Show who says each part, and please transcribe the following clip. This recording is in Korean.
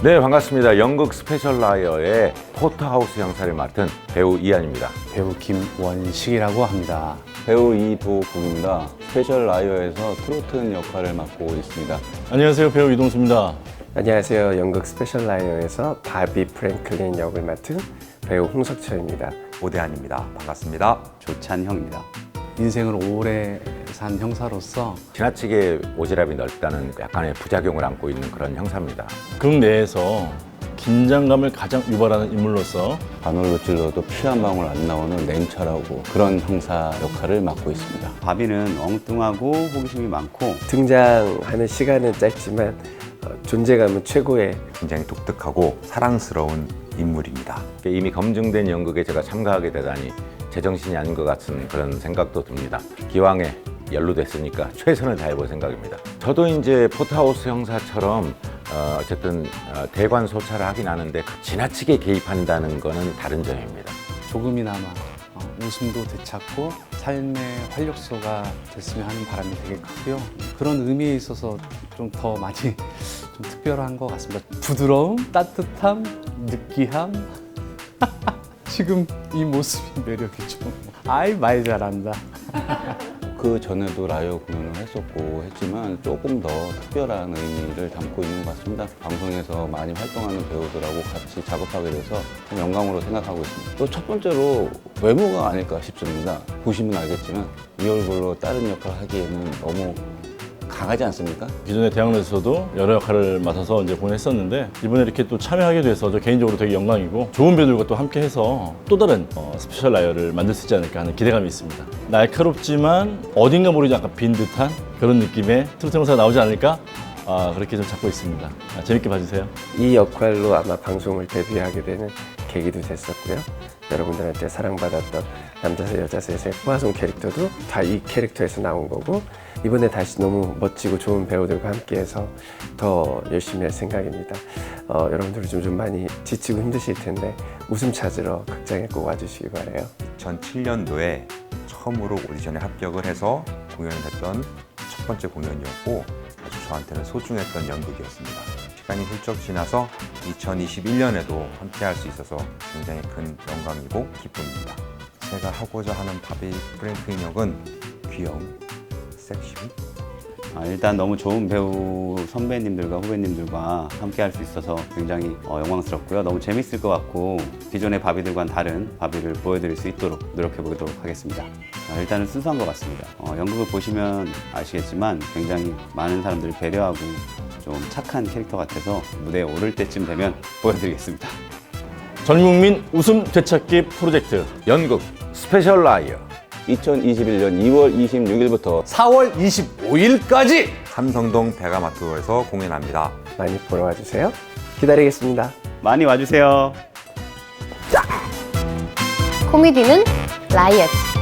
Speaker 1: 네, 반갑습니다. 연극 스페셜 라이어의 포터하우스 형사를 맡은 배우 이한입니다.
Speaker 2: 배우 김원식이라고 합니다.
Speaker 3: 배우 이도국입니다. 스페셜 라이어에서 트로트 역할을 맡고 있습니다.
Speaker 4: 안녕하세요, 배우 이동수입니다.
Speaker 5: 안녕하세요. 연극 스페셜 라이어에서 바비 프랭클린 역을 맡은 배우 홍석철입니다.
Speaker 6: 오대한입니다. 반갑습니다.
Speaker 3: 조찬형입니다.
Speaker 2: 인생을 오래 산 형사로서
Speaker 1: 지나치게 오지랖이 넓다는 약간의 부작용을 안고 있는 그런 형사입니다.
Speaker 4: 극 내에서 긴장감을 가장 유발하는 인물로서
Speaker 3: 바늘로 찔러도 피 한 방울 안 나오는 냉철하고 그런 형사 역할을 맡고 있습니다.
Speaker 7: 바비는 엉뚱하고 호기심이 많고
Speaker 5: 등장하는 시간은 짧지만 존재감은 최고의
Speaker 6: 굉장히 독특하고 사랑스러운 인물입니다.
Speaker 1: 이미 검증된 연극에 제가 참가하게 되다니 제정신이 아닌 것 같은 그런 생각도 듭니다. 기왕에 연루됐으니까 최선을 다해볼 생각입니다. 저도 이제 포터하우스 형사처럼 어쨌든 대관 소차를 하긴 하는데 지나치게 개입한다는 거는 다른 점입니다.
Speaker 2: 조금이나마 웃음도 되찾고 삶의 활력소가 됐으면 하는 바람이 되게 크고요. 그런 의미에 있어서 좀 더 많이 좀 특별한 것 같습니다. 부드러움, 따뜻함, 느끼함. 지금 이 모습이 매력이죠. 아이, 말 잘한다.
Speaker 3: 그 전에도 라이어 공연을 했었고 했지만 조금 더 특별한 의미를 담고 있는 것 같습니다. 방송에서 많이 활동하는 배우들하고 같이 작업하게 돼서 참 영광으로 생각하고 있습니다. 또 첫 번째로 외모가 아닐까 싶습니다. 보시면 알겠지만 이 얼굴로 다른 역할을 하기에는 너무 강하지 않습니까?
Speaker 4: 기존의 대학로에서도 여러 역할을 맡아서 이제 공연했었는데 이번에 이렇게 또 참여하게 돼서 저 개인적으로 되게 영광이고 좋은 배우들과 또 함께 해서 또 다른 스페셜 라이어를 만들 수 있지 않을까 하는 기대감이 있습니다. 날카롭지만 어딘가 모르게 약간 빈 듯한 그런 느낌의 트로트 형사가 나오지 않을까? 그렇게 좀 잡고 있습니다. 재밌게 봐주세요.
Speaker 5: 이 역할로 아마 방송을 데뷔하게 되는 계기도 됐었고요. 여러분들한테 사랑받았던 남자세 여자셋의 포화송 캐릭터도 다 이 캐릭터에서 나온 거고 이번에 다시 너무 멋지고 좋은 배우들과 함께해서 더 열심히 할 생각입니다. 여러분들 좀 많이 지치고 힘드실 텐데 웃음 찾으러 극장에 꼭 와주시기 바라요.
Speaker 6: 2007년도에 처음으로 오디션에 합격을 해서 공연을 했던 첫 번째 공연이었고 아주 저한테는 소중했던 연극이었습니다. 시간이 훌쩍 지나서 2021년에도 함께할 수 있어서 굉장히 큰 영광이고 기쁨입니다. 제가 하고자 하는 바비 프랭클린 역은 귀여움, 섹시,
Speaker 7: 일단 너무 좋은 배우 선배님들과 후배님들과 함께 할 수 있어서 굉장히 영광스럽고요. 너무 재밌을 것 같고 기존의 바비들과는 다른 바비를 보여드릴 수 있도록 노력해 보도록 하겠습니다. 일단은 순수한 것 같습니다. 연극을 보시면 아시겠지만 굉장히 많은 사람들을 배려하고 좀 착한 캐릭터 같아서 무대에 오를 때쯤 되면 보여드리겠습니다.
Speaker 4: 전국민 웃음 되찾기 프로젝트
Speaker 1: 연극 스페셜 라이어
Speaker 3: 2021년 2월 26일부터
Speaker 2: 4월 25일까지
Speaker 6: 삼성동 베가마트에서 공연합니다.
Speaker 5: 많이 보러 와주세요. 기다리겠습니다.
Speaker 7: 많이 와주세요.
Speaker 8: 코미디는 라이어즈.